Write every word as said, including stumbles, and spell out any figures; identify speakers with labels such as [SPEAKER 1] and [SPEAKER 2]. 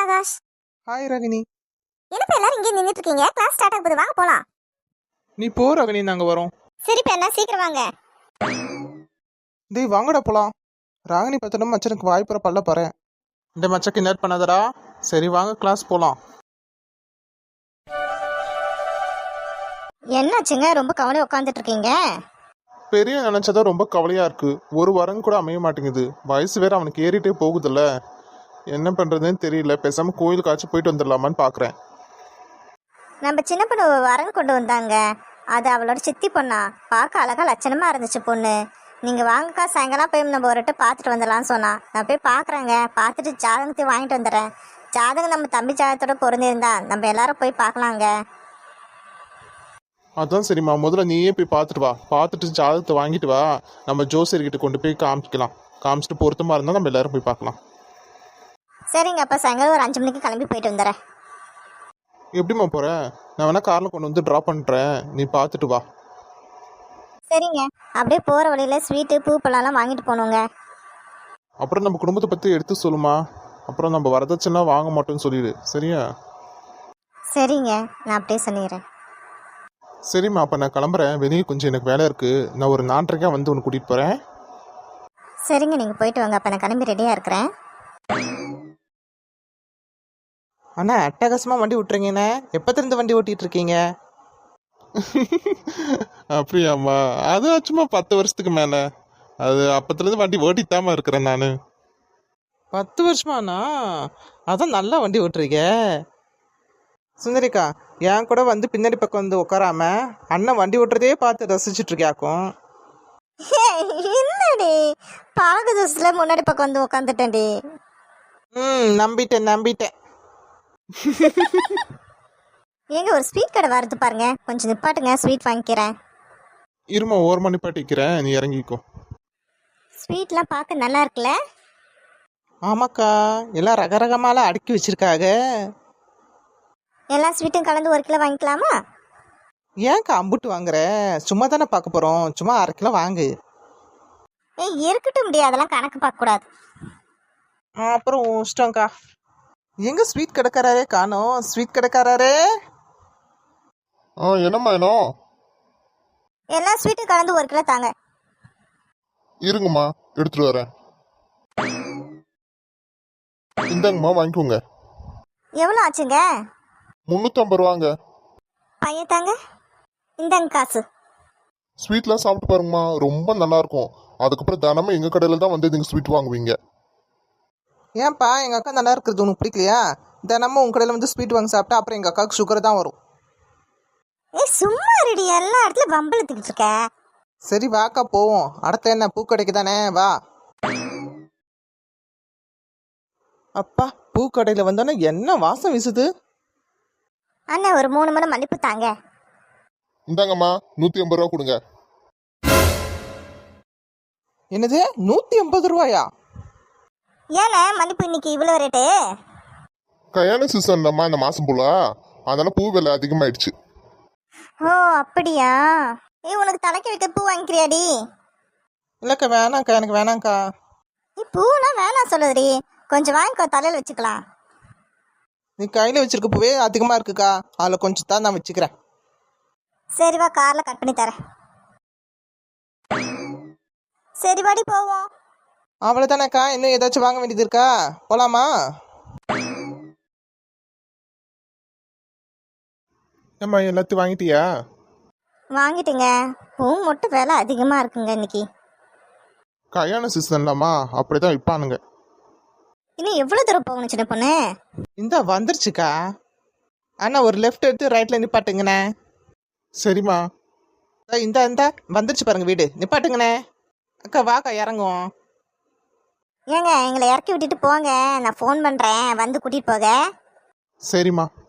[SPEAKER 1] Akash.
[SPEAKER 2] Hi ரகினி.
[SPEAKER 1] என்னப்பா எல்லாரும் இங்கே நின்றுட்டு இருக்கீங்க? கிளாஸ் ஸ்டார்ட் ஆகுது, வாங்க போலாம்.
[SPEAKER 2] நீ போ ரகினி, நாங்க வரோம்.
[SPEAKER 1] சரிப்பா, என்ன சீக்கிரம் வாங்க.
[SPEAKER 2] டேய் வாங்கடா போலாம். ராகினி பார்த்தனும் மச்சனுக்கு வாய்ப்புற பல்ல பாரு. இந்த மச்சக்கு நேட் பண்ணாதடா. சரி வாங்க கிளாஸ் போலாம்.
[SPEAKER 1] என்னாச்சுங்க, ரொம்ப கவலையா உட்காந்துட்டு இருக்கீங்க?
[SPEAKER 2] பெரிய நினைச்சதான் ரொம்ப கவலையா இருக்கு. ஒரு வாரம் கூட அமைய மாட்டேங்குது. வயசு வேற அவனுக்கு ஏறிட்டே போகுதுல்ல. என்ன பண்றதுன்னு தெரியல. பேசாம கோயிலுக்காச்சும் போயிட்டு வந்துடலாமான்னு பாக்குறேன்.
[SPEAKER 1] நம்ம சின்ன பொண்ணு வரன் கொண்டு வந்தாங்க. அது அவளோட சித்தி பொண்ணா. பார்க்க அழகா லட்சணமா இருந்துச்சு பொண்ணு. நீங்க வாங்கக்கா, சாயங்காலம் போய் நம்ம ஒரு வாட்டி பார்த்துட்டு வந்துடலாம்னு சொன்னா. நான் போய் பார்க்குறேங்க. பார்த்துட்டு ஜாதகத்தையும் வாங்கிட்டு வந்துடுறேன். ஜாதகம் நம்ம தம்பி ஜாதகத்தோட பொருந்திருந்தா நம்ம எல்லாரும் போய் பார்க்கலாங்க.
[SPEAKER 2] அதான் சரிம்மா, முதல்ல நீயே போய் பார்த்துட்டு வா. பார்த்துட்டு ஜாதகத்தை வாங்கிட்டு வா. நம்ம ஜோசியர்கிட்ட கொண்டு போய் காமிக்கலாம். காமிச்சிட்டு பொருத்தமா இருந்தால் நம்ம எல்லாரும் போய் பார்க்கலாம்.
[SPEAKER 1] சரிங்க, அப்போ சாயங்காலம் ஒரு அஞ்சு மணிக்கு கிளம்பி போயிட்டு வந்துடுறேன்.
[SPEAKER 2] எப்படிம்மா போற? நான் வேணா கார்ல கொண்டு வந்து ட்ராப் பண்ணுறேன், நீ பார்த்துட்டு வா.
[SPEAKER 1] சரிங்க. அப்படியே போகிற வழியில் ஸ்வீட்டு பூ பழம்லாம் வாங்கிட்டு போகணுங்க.
[SPEAKER 2] அப்புறம் நம்ம குடும்பத்தை பற்றி எடுத்து சொல்லுமா. அப்புறம் நம்ம வரதட்சணை வாங்க மாட்டோம்னு சொல்லிடு, சரியா?
[SPEAKER 1] சரிங்க, நான் அப்படியே சொல்லிடுறேன்.
[SPEAKER 2] சரிம்மா, அப்போ நான் கிளம்புறேன். வெளியே கொஞ்சம் எனக்கு வேலை இருக்குது. நான் ஒரு நாலரைக்கா வந்து உன்னை கூட்டிகிட்டு போகிறேன்.
[SPEAKER 1] சரிங்க, நீங்கள் போயிட்டு வாங்க. அப்போ நான் கிளம்பி ரெடியாக இருக்கிறேன்.
[SPEAKER 3] அண்ணா அட்டகாசமாக வண்டி விட்டுறீங்கண்ணே. எப்போத்திருந்து வண்டி ஓட்டிகிட்டு இருக்கீங்க?
[SPEAKER 2] அப்படியாம்மா? அது சும்மா பத்து வருஷத்துக்கு மேலே. அது அப்பத்துலேருந்து வண்டி ஓட்டித்தாம இருக்கிறேன் நான்.
[SPEAKER 3] பத்து வருஷமாண்ணா? அதான் நல்லா வண்டி ஓட்டுறீங்க. சுந்தரிக்கா, என் கூட வந்து பின்னாடி பக்கம் வந்து உட்காராம அண்ணன் வண்டி ஓட்டுறதே பார்த்து ரசிச்சுட்டு இருக்கியாக்கும்.
[SPEAKER 1] இல்லடி, பழகு தோசையில் முன்னாடி பக்கம் வந்து உட்காந்துட்டேன்டி.
[SPEAKER 3] ம் நம்பிட்டேன் நம்பிட்டேன்.
[SPEAKER 1] ஏங்க, ஒரு ஸ்வீட் கடை வருது பாருங்க, கொஞ்சம் நிப்பாட்டுங்க, ஸ்வீட் வாங்கிக்கிறேன்.
[SPEAKER 2] இருமா, ஓர் மணி பாட்டிக்கிறேன், நீ இறங்கிக்கோ.
[SPEAKER 1] ஸ்வீட்லாம் பார்க்க நல்லா இருக்குல்ல?
[SPEAKER 3] ஆமாக்கா, எல்லாம் ரகரகமாலாம் அடுக்கி வச்சிருக்காங்க.
[SPEAKER 1] எல்லா ஸ்வீட்டும் கலந்து ஒரு கிலோ வாங்கிக்கலாமா?
[SPEAKER 3] ஏன்க்கா அம்புட்டு வாங்குற? சும்மா தானே பார்க்க போகிறோம், சும்மா அரை கிலோ வாங்கு.
[SPEAKER 1] ஏய், இருக்கட்டும் முடியாது, அதெல்லாம் கணக்கு பார்க்கக்கூடாது.
[SPEAKER 3] அப்புறம் இஷ்டம்க்கா. எங்க ஸ்வீட் கடைக்காரரே காணோம். ஸ்வீட் கடைக்காரரே,
[SPEAKER 2] ஆ என்னம்மா வேணும்?
[SPEAKER 1] எல்லா ஸ்வீட்டும் கலந்து ஒரு கிலோ தாங்க.
[SPEAKER 2] இருங்கம்மா, எடுத்துட்டு வரேன். இந்தாங்கம்மா, வாங்கிக்கோங்க.
[SPEAKER 1] எவ்வளோ ஆச்சுங்க?
[SPEAKER 2] முந்நூற்றம்பது ரூபாங்க.
[SPEAKER 1] பையன் தாங்க, இந்தாங்க காசு.
[SPEAKER 2] ஸ்வீட்லாம் சாப்பிட்டு பாருங்கம்மா, ரொம்ப நல்லா இருக்கும். அதுக்கப்புறம் தினமும் எங்கள் கடையில் தான் வந்து நீங்கள் ஸ்வீட் வாங்குவீங்க.
[SPEAKER 3] ஏன்ப்பா எங்கள் அக்கா நல்லா இருக்கிறது உனக்கு பிடிக்கலையா? தினமும் உங்கள் கடையில் வந்து ஸ்வீட் வாங்கி சாப்பிட்டா அப்புறம் எங்கள் அக்காவுக்கு சுகர் தான் வரும்.
[SPEAKER 1] ஏய் சும்மா ரெடி, எல்லா இடத்துல வம்பளத்துக்கிட்டு இருக்க.
[SPEAKER 3] சரி வாக்கா போவோம். அடுத்த என்ன பூக்கடைக்கு தானே, வா. அப்பா, பூக்கடையில் வந்தோன்னே என்ன வாசம் வீசுது.
[SPEAKER 1] அண்ணா, ஒரு மூணு மணி மல்லிப்பூ தாங்க.
[SPEAKER 2] இந்தாங்கம்மா, நூற்றி ஐம்பது ரூபா கொடுங்க.
[SPEAKER 3] என்னது, நூற்றி ஐம்பது ரூபாயா?
[SPEAKER 1] ஏண்ணே மல்லிப்பூ இன்னைக்கு இவ்வளோ ரேட்டு?
[SPEAKER 2] கல்யாண சீசன் தான்மா இந்த மாதம் போல, அதனால பூ விலை அதிகமாயிடுச்சு.
[SPEAKER 1] ஓ அப்படியா? ஏய், உனக்கு தலைக்கு வைக்க பூ வாங்கிக்கிறியாடி?
[SPEAKER 3] இல்லைக்கா, வேணாங்க்கா, எனக்கு வேணாங்க்கா.
[SPEAKER 1] நீ பூலாம் வேணாம் சொல்லுதுடி, கொஞ்சம் வாங்கிக்கோ, தலையில் வச்சுக்கலாம்.
[SPEAKER 3] நீ கையில் வச்சிருக்க பூவே அதிகமாக இருக்குக்கா, அதில் கொஞ்சம் தான் நான் வச்சுக்கிறேன்.
[SPEAKER 1] சரி வா, காரில் கட் பண்ணி தரேன். சரி வாடி போவோம்.
[SPEAKER 3] அவ்வளோதானேக்கா, இன்னும் ஏதாச்சும் வாங்க வேண்டியது இருக்கா? போகலாமா?
[SPEAKER 2] ஏம்மா, எல்லாத்தையும் வாங்கிட்டியா?
[SPEAKER 1] வாங்கிட்டுங்க. பூ மட்டும் விலை அதிகமாக இருக்குங்க இன்னைக்கு.
[SPEAKER 2] கல்யாண சீசன்லாமா, அப்படிதான் விற்பானுங்க.
[SPEAKER 1] இன்னும் எவ்வளோ தூரம் போகணும் சின்ன பொண்ணு?
[SPEAKER 3] இந்த வந்துருச்சுக்கா. அண்ணா ஒரு லெஃப்ட் எடுத்து ரைட்டில் நிப்பாட்டுங்கண்ணே.
[SPEAKER 2] சரிம்மா.
[SPEAKER 3] இந்த இந்த வந்துருச்சு பாருங்க வீடு, நிப்பாட்டுங்கண்ணே. அக்கா வாக்கா, இறங்குவோம்.
[SPEAKER 1] ஏங்க, எங்களை இறக்கி விட்டுட்டு போங்க, நான் ஃபோன் பண்ணுறேன், வந்து கூட்டிகிட்டு போக.
[SPEAKER 2] சரிம்மா.